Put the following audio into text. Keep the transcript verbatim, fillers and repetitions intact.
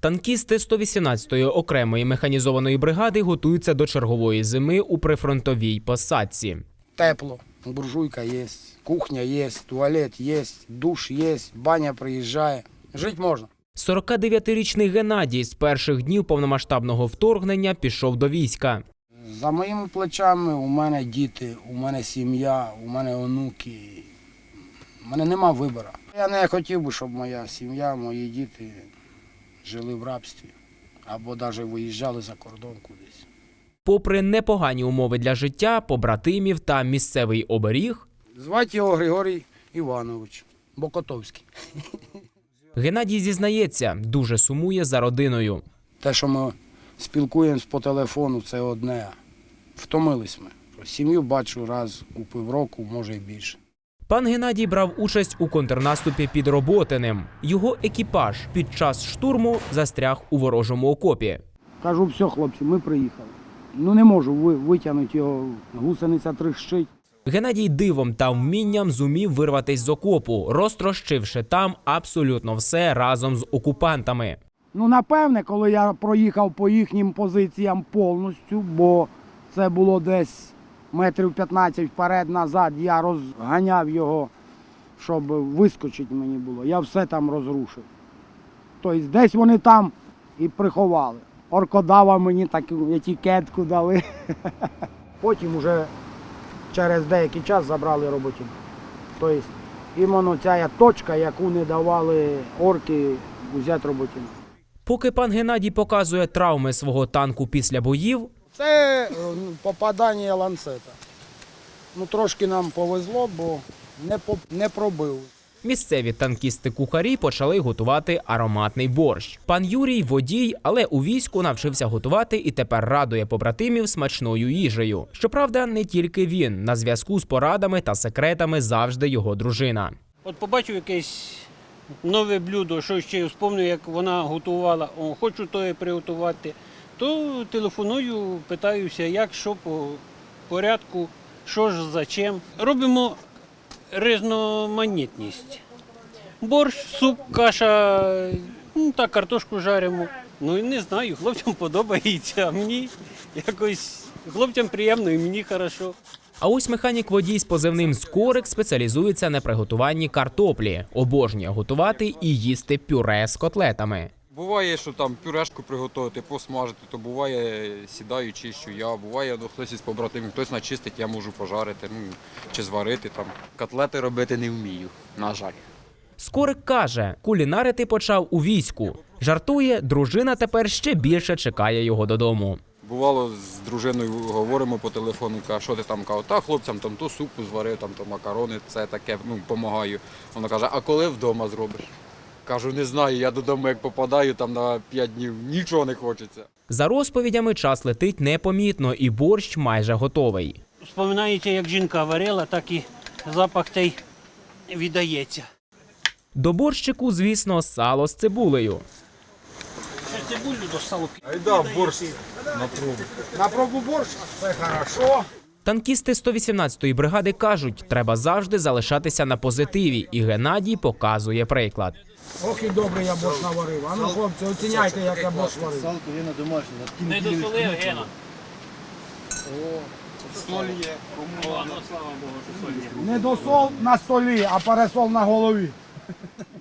Танкісти сто вісімнадцятої окремої механізованої бригади готуються до чергової зими у прифронтовій посадці. Тепло, буржуйка є, кухня є, туалет є, душ є, баня приїжджає. Жити можна. сорокадев'ятирічний Геннадій з перших днів повномасштабного вторгнення пішов до війська. За моїми плечами у мене діти, у мене сім'я, у мене онуки. У мене нема вибору. Я не хотів би, щоб моя сім'я, мої діти жили в рабстві або навіть виїжджали за кордон кудись. Попри непогані умови для життя, побратимів та місцевий оберіг, Звати його Григорій Іванович Бокотовський. Геннадій зізнається, дуже сумує за родиною. Те, що ми спілкуємось по телефону, це одне. Втомились ми. Сім'ю бачу раз у півроку, може і більше. Пан Геннадій брав участь у контрнаступі під Роботиним. Його екіпаж під час штурму застряг у ворожому окопі. Кажу, все, хлопці, ми приїхали. Ну не можу витягнути його, гусениця тріщить. Геннадій дивом та вмінням зумів вирватись з окопу, розтрощивши там абсолютно все разом з окупантами. Ну, напевне, коли я проїхав по їхнім позиціям повністю, бо це було десь метрів п'ятнадцять вперед-назад, я розганяв його, щоб вискочити мені було. Я все там розрушив. Тобто десь вони там і приховали. Оркодава мені таку етикетку дали. Потім вже через деякий час забрали роботів. Тобто іменно ця точка, яку не давали орки взяти роботів. Поки пан Геннадій показує травми свого танку після боїв, це попадання ланцета. Ну, трошки нам повезло, бо не, по, не пробили. місцеві танкісти-кухарі почали готувати ароматний борщ. Пан Юрій – водій, але у війську навчився готувати і тепер радує побратимів смачною їжею. Щоправда, не тільки він. На зв'язку з порадами та секретами завжди його дружина. От побачив якесь нове блюдо, що ще вспомню, як вона готувала, о, хочу то приготувати, то телефоную, питаюся, як, що по порядку, що ж, за чим. Робимо різноманітність. Борщ, суп, каша, ну так, картошку жаримо. Ну і не знаю, хлопцям подобається, а мені якось, хлопцям приємно і мені хорошо. А ось механік-водій з позивним «Скорик» спеціалізується на приготуванні картоплі. Обожнює готувати і їсти пюре з котлетами. Буває, що там пюрешку приготувати, посмажити, то буває сідаю, чищу я, буває, ну, хтось із побратимів, хтось начистить, я можу пожарити, ну, чи зварити там. Котлети робити не вмію, на жаль. Скорик каже, кулінарити почав у війську. Жартує, дружина тепер ще більше чекає його додому. Бувало, з дружиною говоримо по телефону, каже, що ти там, кажу, та хлопцям там то супу зварив, там то макарони, це таке, ну, допомагаю. Вона каже, а коли вдома зробиш? Кажу, не знаю, я додому як попадаю, там на п'ять днів нічого не хочеться. За розповідями час летить непомітно і борщ майже готовий. Вспоминається, як жінка варила, так і запах цей віддається. До борщику, звісно, сало з цибулею. Це цибулю до салу. Айда, борщ на пробу. На пробу борщ, це хорошо. Танкісти сто вісімнадцятої бригади кажуть, треба завжди залишатися на позитиві, і Геннадій показує приклад. Ох і добре я борщ наварив. А ну, хлопці, оціняйте, як я борщ варив. Салко є на домашнє. Не досолив, Гена. Соль є. О, ну слава Богу, що соль є. Не досол на столі, а пересол на голові.